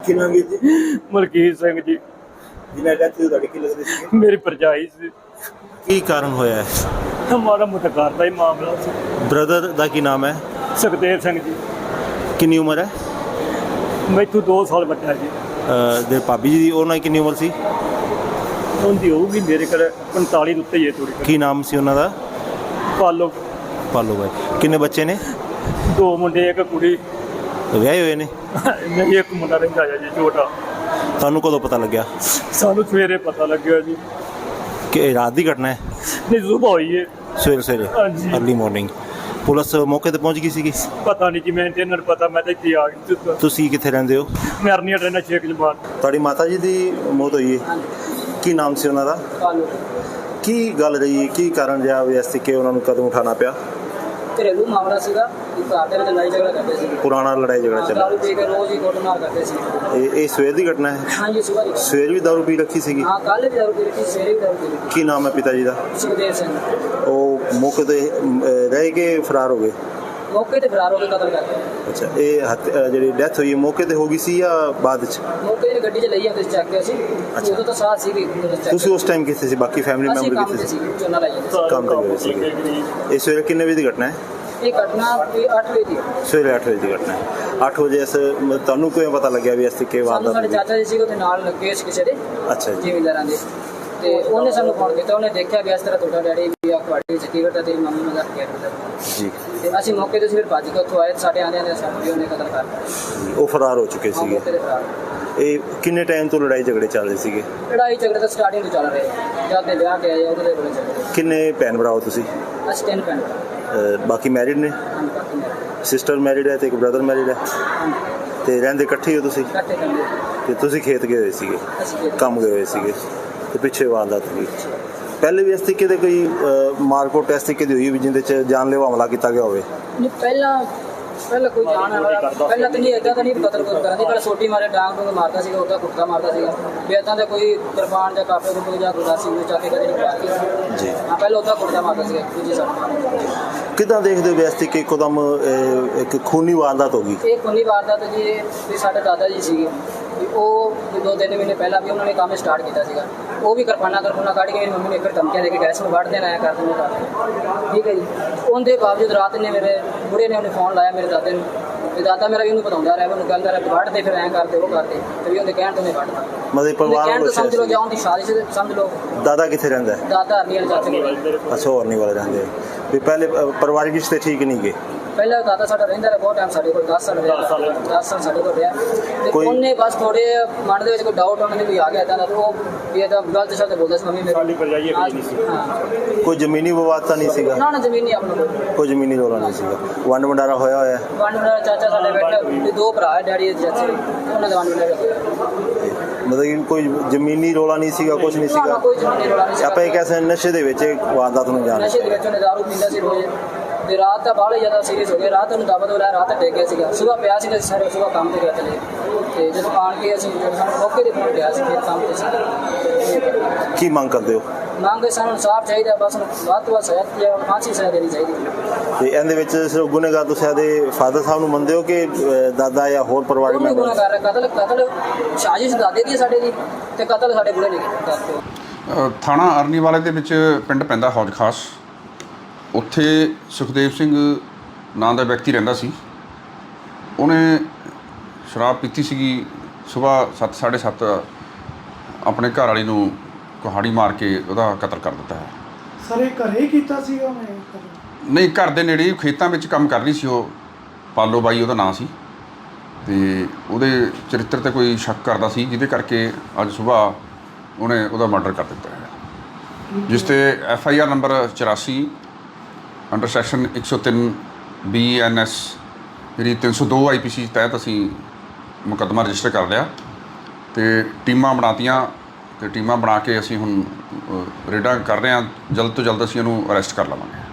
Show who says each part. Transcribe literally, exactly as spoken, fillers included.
Speaker 1: ਕੀ ਨਾਮ ਹੈ ਜੀ?
Speaker 2: ਮਲਕੀਤ ਸਿੰਘ ਜੀ।
Speaker 1: ਜਿਹਨਾਂ ਡੈਥ ਹੋਈ ਤੁਹਾਡੀ ਕੀ ਲੱਗਦੀ ਸੀ?
Speaker 2: ਮੇਰੀ ਭਰਜਾਈ ਸੀ।
Speaker 1: ਕੀ ਕਾਰਨ ਹੋਇਆ ਹੈ?
Speaker 2: ਮਾੜਾ ਮੋਟਾ ਘਰ ਦਾ ਹੀ ਮਾਮਲਾ ਸੀ।
Speaker 1: ਬ੍ਰਦਰ ਦਾ ਕੀ ਨਾਮ ਹੈ?
Speaker 2: ਸੁਖਦੇਵ ਸਿੰਘ ਜੀ।
Speaker 1: ਕਿੰਨੀ ਉਮਰ ਹੈ?
Speaker 2: ਮੈਥੋਂ ਦੋ ਸਾਲ ਵੱਡਾ ਜੀ।
Speaker 1: ਅਹ ਦੇ ਭਾਬੀ ਜੀ ਦੀ ਉਹਨਾਂ ਦੀ ਕਿੰਨੀ ਉਮਰ ਸੀ?
Speaker 2: ਉਹਦੀ ਹੋਊਗੀ ਮੇਰੇ ਕੋਲ ਪੰਤਾਲੀ ਦੇ ਉੱਤੇ ਹੀ ਹੈ ਥੋੜੀ।
Speaker 1: ਕੀ ਨਾਮ ਸੀ ਉਹਨਾਂ ਦਾ?
Speaker 2: ਪਾਲੋ।
Speaker 1: ਪਾਲੋ ਬਾਈ। ਕਿੰਨੇ ਬੱਚੇ ਨੇ?
Speaker 2: ਦੋ ਮੁੰਡੇ ਇੱਕ ਕੁੜੀ।
Speaker 1: ਵਿਆਹੇ ਹੋਏ ਨੇ?
Speaker 2: ਨਹੀਂ, ਇੱਕ ਮੁੰਡਾ ਰਹਿੰਦਾ ਹੈ ਜੀ ਛੋਟਾ।
Speaker 1: ਤੁਹਾਨੂੰ ਕਦੋਂ ਪਤਾ ਲੱਗਿਆ?
Speaker 2: ਸਾਨੂੰ ਸਵੇਰੇ ਪਤਾ ਲੱਗਿਆ ਜੀ।
Speaker 1: ਕਿ ਇਹ ਰਾਤ ਦੀ ਘਟਨਾ ਹੈ?
Speaker 2: ਨਹੀਂ, ਸੁਬਾਹ ਹੋਈ ਹੈ।
Speaker 1: ਸਵੇਰੇ ਸਵੇਰੇ
Speaker 2: ਹਾਂਜੀ।
Speaker 1: ਅਰਲੀ ਮਾਰਨਿੰਗ ਪੁਲਿਸ ਮੌਕੇ ਤੇ ਪਹੁੰਚ ਗਈ ਸੀਗੀ?
Speaker 2: ਪਤਾ ਨਹੀਂ ਜੀ, ਮੈਂ ਤੇ ਇਹਨਾਂ ਨੂੰ ਪਤਾ, ਮੈਂ ਤਾਂ ਇੱਥੇ ਆ ਗਈ।
Speaker 1: ਤੁਸੀਂ ਕਿੱਥੇ ਰਹਿੰਦੇ ਹੋ?
Speaker 2: ਮੈਂ ਅਰਨੀਆ ਰਹਿਣਾ ਛੇਕ ਜਮਾਤ।
Speaker 1: ਤੁਹਾਡੀ ਮਾਤਾ ਜੀ ਦੀ ਮੌਤ ਹੋਈ ਹੈ? ਕੀ ਨਾਮ ਸੀ ਉਹਨਾਂ ਦਾ?
Speaker 3: ਪਾਲੋ।
Speaker 1: ਕੀ ਗੱਲ ਰਹੀ? ਕੀ ਕਾਰਨ ਰਿਹਾ ਵੀ ਇਸ ਕਿ ਉਹਨਾਂ ਨੂੰ ਕਦਮ ਉਠਾਉਣਾ ਪਿਆ?
Speaker 3: ਘਰੇਲੂ ਮਾਮਲਾ ਸੀਗਾ। ਘਰ ਦੇ ਵਿੱਚ ਲੜਾਈ ਝਗੜਾ ਕਰਦੇ ਸੀ।
Speaker 1: ਪੁਰਾਣਾ ਲੜਾਈ ਝਗੜਾ ਚੱਲ
Speaker 3: ਦਾਰੂ ਪੀ ਕੇ ਰੋਜ਼ ਹੀ ਕੁੱਟਮਾਰ ਕਰਦੇ ਸੀ।
Speaker 1: ਇਹ ਇਹ ਸਵੇਰ ਦੀ ਘਟਨਾ ਹੈ?
Speaker 3: ਹਾਂਜੀ, ਸੁਬਾਹ ਦੀ।
Speaker 1: ਸਵੇਰ ਵੀ ਦਾਰੂ ਪੀ ਰੱਖੀ ਸੀਗੀ?
Speaker 3: ਹਾਂ, ਕੱਲ੍ਹ ਵੀ ਦਾਰੂ ਪੀ ਰੱਖੀ, ਸਵੇਰੇ ਵੀ ਦਾਰੂ ਪੀ ਰੱਖੀ।
Speaker 1: ਕੀ ਨਾਮ ਹੈ ਪਿਤਾ ਜੀ ਦਾ?
Speaker 3: ਸੁਖਦੇਵ ਸਿੰਘ।
Speaker 1: ਉਹ ਮੌਕੇ ਤੇ ਅਮ, ਰਹਿ ਕੇ ਫਰਾਰ ਹੋ ਗਏ?
Speaker 3: ਮੌਕੇ ਤੇ ਫਰਾਰ ਹੋ ਕੇ ਕਤਲ ਕਰ ਗਿਆ।
Speaker 1: ਅੱਛਾ, ਇਹ ਹੱਤ- ਅ, ਜਿਹੜੀ ਡੈਥ ਹੋਈ ਹੈ ਮੌਕੇ ਤੇ ਹੋ ਗਈ ਸੀ ਜਾਂ ਬਾਅਦ ਚ?
Speaker 3: ਮੌਕੇ ਤੇ ਗੱਡੀ 'ਚ ਲਈ ਆਉਂਦੇ ਸੀ, ਚੱਕ ਕੇ ਅਸੀਂ।
Speaker 1: ਅੱਛਾ।
Speaker 3: ਉਦੋਂ ਤਾਂ ਸਾਥ ਸੀਗੇ।
Speaker 1: ਤੁਸੀਂ ਉਸ ਟਾਈਮ ਕਿੱਥੇ ਸੀ? ਬਾਕੀ ਫੈਮਿਲੀ
Speaker 3: ਅਸੀਂ
Speaker 1: ਮੈਂਬਰ
Speaker 3: ਕੰਮ
Speaker 1: ਕਿੱਥੇ
Speaker 3: ਤੇ
Speaker 1: ਸੀ?
Speaker 3: ਸੀ, ਝੋਨਾ ਲਾਈ ਜਾਂਦੇ
Speaker 1: ਕੰਮ ਤੇ ਗਏ ਸੀਗੇ। ਇਹ ਸਵੇਰੇ ਕਿੰਨੇ ਵਜੇ ਦੀ ਘਟਨਾ ਹੈ?
Speaker 3: ਸੀ। ਇਹ ਘਟਨਾ ਕੋਈ ਅੱਠ ਵਜੇ ਦੀ ਹੈ।
Speaker 1: ਸਵੇਰੇ ਅੱਠ ਵਜੇ ਦੀ ਘਟਨਾ ਹੈ। ਅੱਠ ਵਜੇ ਇਸ ਮ- ਤੁਹਾਨੂੰ ਕਿਵੇਂ ਪਤਾ ਲੱਗਿਆ ਵੀ ਇਸ ਤਰੀਕੇ
Speaker 3: ਸਾਨੂੰ
Speaker 1: ਵਾਰਦਾਤ
Speaker 3: ਸਾਡੇ
Speaker 1: ਹੋਈ?
Speaker 3: ਚਾਚਾ ਜੀ ਸੀ ਉੱਥੇ ਨਾਲ ਲੱਗੇ ਸੀ ਕਿਸੇ ਦੇ,
Speaker 1: ਅੱਛਾ ਜੀ।
Speaker 3: ਜ਼ਿਮੀਂਦਾਰਾਂ ਦੇ। ਤੇ ਉਹਨੇ ਸਾਨੂੰ ਫੋਨ ਕੀਤਾ। ਉਹਨੇ ਦੇਖਿਆ ਵੀ ਇਸ ਤਰ੍ਹਾਂ ਤੁਹਾਡਾ ਡੈਡੀ ਵੀ ਆ ਤੁਹਾਡੀ ਚੱਕੀ ਕਰਦਾ, ਤੇਰੀ ਮੰਮੀ ਮਜ਼ਾਕ ਕਰ ਰਹੀ।
Speaker 1: ਜੀ।
Speaker 3: ਤੇ ਅਸੀਂ ਮੌਕੇ ਤੇ ਫਿਰ ਭੱਜ ਕੇ ਉੱਥੋਂ ਆਏ। ਸਾਡੇ ਆਂਦਿਆਂ ਦੇ ਸਾਨੂੰ ਵੀ ਉਹਨੇ ਕਤਲ ਕਰ ਦਿੱਤਾ।
Speaker 1: ਉਹ ਫਰਾਰ ਹੋ ਚੁੱਕੇ
Speaker 3: ਹਾਂ,
Speaker 1: ਸੀਗੇ।
Speaker 3: ਮੌਕੇ ਤੇ ਫਰਾਰ।
Speaker 1: ਇਹ ਕਿੰਨੇ ਟਾਈਮ ਤੋਂ ਲੜਾਈ ਝਗੜੇ ਚੱਲ ਰਹੇ ਸੀਗੇ?
Speaker 3: ਲੜਾਈ ਝਗੜੇ ਤਾਂ ਸਟਾਰਟਿੰਗ ਤੋਂ ਚੱਲ ਰਹੇ ਆ। ਜਦ ਦੇ ਵਿਆਹ ਕੇ ਆਏ ਉਹਦੇ ਦੇ ਬੜੇ ਚੱਲ ਰਹੇ।
Speaker 1: ਕਿੰਨੇ ਭੈਣ ਭਰਾ ਹੋ ਤੁਸੀਂ?
Speaker 3: ਅਸੀਂ ਤਿੰਨ ਭੈਣ ਭਰਾ।
Speaker 1: ਅ, ਬਾਕੀ ਮੈਰਿਡ ਨੇ?
Speaker 3: ਹਾਂਜੀ, ਬਾਕੀ ਮੇਰੇ।
Speaker 1: ਸਿਸਟਰ ਮੈਰਿਡ ਹੈ ਤੇ ਇੱਕ ਬ੍ਰਦਰ ਮੈਰਿਡ ਹੈ
Speaker 3: ਹਾਂਜੀ,
Speaker 1: ਤੇ ਰਹਿੰਦੇ ਇਕੱਠੇ ਹੋ ਤੁਸੀਂ?
Speaker 3: ਇਕੱਠੇ ਕਰਦੇ।
Speaker 1: ਤੇ ਤੁਸੀਂ ਖੇਤ ਗਏ ਹੋਏ ਸੀਗੇ?
Speaker 3: ਅਸੀਂ ਖੇਤ।
Speaker 1: ਕੰਮ ਗਏ ਹੋਏ ਸੀਗੇ ਤੇ ਪਿੱਛੇ ਵਾਰਦਾਤ ਹੋਈ। ਪਹਿਲੇ ਵੀ ਇਸ ਤਰੀਕੇ ਦੇ ਕੋਈ ਅ, ਮਾਰਕੋਟ ਇਸ ਤਰੀਕੇ ਦੀ ਹੋਈ ਵੀ ਜਿਹਦੇ ਚ ਜਾਨਲੇਵਾ ਹਮਲਾ ਕੀਤਾ ਗਿਆ ਹੋਵੇ?
Speaker 3: ਨਹੀਂ, ਪਹਿਲਾਂ ਪਹਿਲਾਂ ਕੋਈ ਜਾਣ ਵਾਲਾ ਪਹਿਲਾਂ ਤਾਂ ਨਹੀਂ ਏਦਾਂ ਤਾਂ ਨਹੀਂ ਕਤਲ ਕੋਈ ਕਰਨ ਦੀ। ਪਹਿਲਾਂ ਸੋਟੀ ਮਾਰੇ, ਡਾਂਗ ਡੂੰਗ ਮਾਰਦਾ ਸੀਗਾ, ਉਹਦਾ ਕੁੱਤਾ ਮਾਰਦਾ ਸੀਗਾ। ਵੀ ਏਦਾਂ ਦਾ ਕੋਈ ਕਿਰਪਾਨ ਜਾਂ ਕਾਪੇ ਕੁੱਪੇ ਜਾਂ ਗੁਰਦਾਸੀ ਨੂੰ ਚੱਕ ਕੇ ਕਦੇ ਨਹੀਂ ਮਾਰਦਾ
Speaker 1: ਜੀ।
Speaker 3: ਹਾਂ, ਪਹਿਲਾਂ ਉਹਦਾ ਕੁੱਤਾ ਮਾਰਦਾ ਸੀਗਾ ਦੂਜੀ ਸਾਈਡ।
Speaker 1: ਕਿੱਦਾਂ ਦੇਖਦੇ ਹੋ ਵੀ ਇਸ ਤਰੀਕੇ ਇੱਕਦਮ ਅ, ਇੱਕ ਖੂਨੀ ਵਾਰਦਾਤ ਹੋ ਗਈ?
Speaker 3: ਇਹ ਖੁੱਲੀ ਵਾਰਦਾਤ ਜੀ। ਵੀ ਸਾਡੇ ਦਾਦਾ ਜੀ ਸੀਗੇ, ਵੀ ਉਹ ਵੀ ਦੋ ਤਿੰਨ ਮਹੀਨੇ ਪਹਿਲਾਂ ਵੀ ਉਹਨਾਂ ਨੇ ਕੰਮ ਸਟਾਰਟ ਕੀਤਾ ਸੀਗਾ। ਉਹ ਵੀ ਕਿਰਪਾਨਾਂ ਕਿਰਪਾਨਾਂ ਕੱਢ ਕੇ ਮੇਰੀ ਮੰਮੀ ਨੇ ਇੱਕ ਧਮਕੀਆਂ ਦੇ ਕੇ ਗੈਸ ਨੂੰ ਵੱਢ ਦੇਣਾ, ਐਂ ਕਰ ਦੇਣਾ ਕਰ ਦੇਣਾ। ਠੀਕ ਹੈ ਜੀ। ਉਹਦੇ ਬਾਵਜੂਦ ਰਾਤ ਨੇ ਮੇਰੇ ਬੁੜੇ ਨੇ ਉਹਨੇ ਫੋਨ ਲਾਇਆ ਮੇਰੇ ਦਾਦੇ ਨੂੰ। ਤੇ ਦਾਦਾ ਮੇਰਾ ਵੀ ਉਹਨੂੰ ਬਤਾਉਂਦਾ ਰਿਹਾ, ਉਹਨੂੰ ਕਹਿੰਦਾ ਰਿਹਾ ਵੱਢ ਦੇ, ਫਿਰ ਐਂ ਕਰਦੇ ਉਹ ਕਰਦੇ। ਤੇ ਵੀ ਉਹਦੇ ਕਹਿਣ ਤੋਂ ਉਹਨੇ ਵੱਢਦਾ।
Speaker 1: ਮਤਲਬ ਪਰਿਵਾਰ
Speaker 3: ਕਹਿਣ ਤੋਂ
Speaker 1: ਵੱਲੋਂ
Speaker 3: ਸਮਝ ਲਓ ਜਾਂ ਉਹਦੀ ਸਾਜ਼ਿਸ਼ ਸਮਝ ਲਓ।
Speaker 1: ਦਾਦਾ ਕਿੱਥੇ ਰਹਿੰਦਾ ਹੈ?
Speaker 3: ਦਾਦਾ ਅਰਨੀਅਲ ਚਾਚੇ ਕੋਲ।
Speaker 1: ਅੱਛਾ, ਹੋਰ ਨਹੀਂ ਵਾਲੇ ਰਹਿੰਦੇ ਵੀ ਪਹਿਲੇ ਅ, ਪਰਿਵਾਰਿਕ ਰਿਸ਼ਤੇ ਠੀਕ ਨਹੀਂ ਗਏ?
Speaker 3: ਪਹਿਲਾਂ ਦਾਦਾ ਸਾਡਾ ਰਹਿੰਦਾ ਰਿਹਾ ਬਹੁਤ ਟਾਈਮ ਸਾਡੇ ਕੋਲ, ਦਸ ਸਾਲ ਰਿਹਾ। ਦਸ ਸਾਲ ਸਾਡੇ ਕੋਲ ਰਿਹਾ। ਤੇ
Speaker 1: ਕੋਈ-
Speaker 3: ਉਹਨੇ ਬਸ ਥੋੜੇ ਮਨ ਦੇ ਵਿੱਚ ਕੋਈ ਡਾਊਟ ਉਹਨਾਂ ਦੇ ਕੋਈ ਆ ਗਿਆ ਤਾਂ ਉਹ ਵੀ ਇਹਦਾ ਗਲਤ ਸ਼ਬਦ ਬੋਲਦਾ ਸੀ ਮੰਮੀ ਮੇਰੀ।
Speaker 2: ਭਰਜਾਈ ਨਹੀਂ ਸੀ।
Speaker 3: ਹਾਂ,
Speaker 1: ਕੋਈ ਜ਼ਮੀਨੀ ਵਿਵਾਦ ਤਾਂ ਨਹੀਂ ਸੀਗਾ?
Speaker 3: ਨਾ ਨਾ ਜ਼ਮੀਨੀ ਆਪਣਾ ਕੋਲ।
Speaker 1: ਕੋਈ ਜ਼ਮੀਨੀ ਰੌਲਾ ਨਹੀਂ ਸੀਗਾ? ਵੰਡ ਵੰਡਾਰਾ ਹੋਇਆ ਹੋਇਆ ਹੈ?
Speaker 3: ਵੰਡ ਵੰਡਾ ਚਾਚਾ ਸਾਡੇ ਬੈਠਾ ਤੇ ਦੋ ਭਰਾ ਹੈ ਡੈਡੀ ਦੇ ਚਾਚੇ, ਉਹਨਾਂ ਦਾ ਵੰਡ ਵੰਡਾ
Speaker 1: ਮਤਲਬ ਕਿ ਕੋਈ ਜ਼ਮੀਨੀ ਰੌਲਾ ਨਹੀਂ ਸੀਗਾ? ਕੁਝ ਨਹੀਂ
Speaker 3: ਨਾ,
Speaker 1: ਸੀਗਾ?
Speaker 3: ਕੋਈ ਜ਼ਮੀਨੀ ਰੌਲਾ ਨਹੀਂ ਸੀ।
Speaker 1: ਆਪਾਂ ਇਹ ਕਹਿ ਸਕਦੇ ਨਸ਼ੇ ਦੇ ਵਿੱਚ ਇਹ ਵਾਰਦਾਤ ਨੂੰ ਜਾਣ
Speaker 3: ਨਸ਼ੇ ਦੇ ਵਿੱਚ ਉਹਨੇ ਦਾਰੂ ਪੀਂਦਾ ਸੀ ਰੋਜ਼। ਤੇ ਰਾਤ ਤਾਂ ਬਾਹਲੇ ਜ਼ਿਆਦਾ ਸੀਰੀਅਸ ਹੋ ਗਿਆ। ਰਾਤ ਨੂੰ ਦਬਾ ਦੋ ਲਿਆ, ਰਾਤ ਡਿੱਗ ਗਿਆ ਸੀਗਾ। ਸੁਬਾਹ ਪਿਆ ਸੀਗਾ ਸਾਰੇ, ਸੁਬਾਹ ਕੰਮ ਤੇ ਗਿਆ ਚਲੇ। ਤੇ ਜਦੋਂ ਆਣ ਕੇ ਅਸੀਂ ਜਦੋਂ ਸਾਨੂੰ ਮੌਕੇ ਤੇ ਫੋਨ ਗਿਆ ਸੀ ਫਿਰ ਕੰਮ ਤੇ ਸੀ।
Speaker 1: ਕੀ ਮੰਗ ਕਰਦੇ ਹੋ?
Speaker 3: ਮੰਗ ਸਾਨੂੰ ਇਨਸਾਫ ਚਾਹੀਦਾ, ਬਸ ਵੱਧ ਤੋਂ ਵੱਧ ਸਜ਼ਾ ਜਾਂ ਫਾਂਸੀ ਸਜ਼ਾ ਦੇਣੀ ਚਾਹੀਦੀ।
Speaker 1: ਤੇ ਇਹਦੇ ਵਿੱਚ ਸਿਰਫ ਗੁਨੇਗਾਰ ਤੁਸੀਂ ਇਹਦੇ ਫਾਦਰ ਸਾਹਿਬ ਨੂੰ ਮੰਨਦੇ ਹੋ ਕਿ ਅ, ਦਾਦਾ ਜਾਂ ਹੋਰ ਪਰਿਵਾਰਕ
Speaker 3: ਉਹਨੂੰ
Speaker 1: ਮੈਂਬਰ?
Speaker 3: ਗੁਨਾਹ ਕਰ ਰਿਹਾ। ਕਤਲ ਕਤਲ ਸਾਜ਼ਿਸ਼ ਦਾਦੇ ਦੀ ਹੈ ਸਾਡੇ ਦੀ, ਤੇ ਕਤਲ ਸਾਡੇ ਬੁੜੇ ਨੇ ਕੀਤਾ।
Speaker 4: ਅ, ਥਾਣਾ ਅਰਨੀਵਾਲੇ ਦੇ ਵਿੱਚ ਪਿੰਡ ਪੈਂਦਾ ਹੌਜ ਖਾਸ। ਉੱਥੇ ਸੁਖਦੇਵ ਸਿੰਘ ਨਾਂ ਦਾ ਵਿਅਕਤੀ ਰਹਿੰਦਾ ਸੀ। ਉਹਨੇ ਸ਼ਰਾਬ ਪੀਤੀ ਸੀਗੀ। ਸੁਬਾਹ ਸੱਤ ਸਾਢੇ ਸੱਤ ਆਪਣੇ ਘਰ ਵਾਲੀ ਨੂੰ ਕੁਹਾੜੀ ਮਾਰ ਕੇ ਉਹਦਾ ਕਤਲ ਕਰ ਦਿੱਤਾ ਹੈ।
Speaker 5: ਸਰ ਇਹ ਘਰੇ ਹੀ ਕੀਤਾ ਸੀਗਾ ਉਹਨੇ?
Speaker 4: ਨਹੀਂ, ਘਰ ਦੇ ਨੇੜੇ ਖੇਤਾਂ ਵਿੱਚ ਕੰਮ ਕਰ ਰਹੀ ਸੀ ਉਹ। ਪਾਲੋ ਬਾਈ ਉਹਦਾ ਨਾਂ ਸੀ ਤੇ ਉਹਦੇ ਚਰਿੱਤਰ 'ਤੇ ਕੋਈ ਸ਼ੱਕ ਕਰਦਾ ਸੀ, ਜਿਹਦੇ ਕਰਕੇ ਅੱਜ ਸੁਬਾਹ ਉਹਨੇ ਉਹਦਾ ਮਰਡਰ ਕਰ ਦਿੱਤਾ ਹੈ, ਜਿਸ 'ਤੇ ਐਫ ਆਈ ਆਰ ਨੰਬਰ ਚੁਰਾਸੀ ਅੰਡਰ ਸੈਕਸ਼ਨ ਇੱਕ ਸੌ ਤਿੰਨ ਬੀ ਐਨ ਐਸ ਜਿਹੜੀ ਤਿੰਨ ਸੌ ਦੋ ਆਈ ਪੀ ਸੀ ਤਹਿਤ ਅਸੀਂ ਮੁਕੱਦਮਾ ਰਜਿਸਟਰ ਕਰ ਲਿਆ ਤੇ ਟੀਮਾਂ ਬਣਾਤੀਆਂ ਤੇ ਟੀਮਾਂ ਬਣਾ ਕੇ ਅਸੀਂ ਹੁਣ ਅ, ਰੇਡਾਂ ਕਰ ਰਹੇ ਹਾਂ। ਜਲਦ ਤੋਂ ਜਲਦ ਅਸੀਂ ਉਹਨੂੰ ਅਰੈਸਟ ਕਰ ਲਵਾਂਗੇ।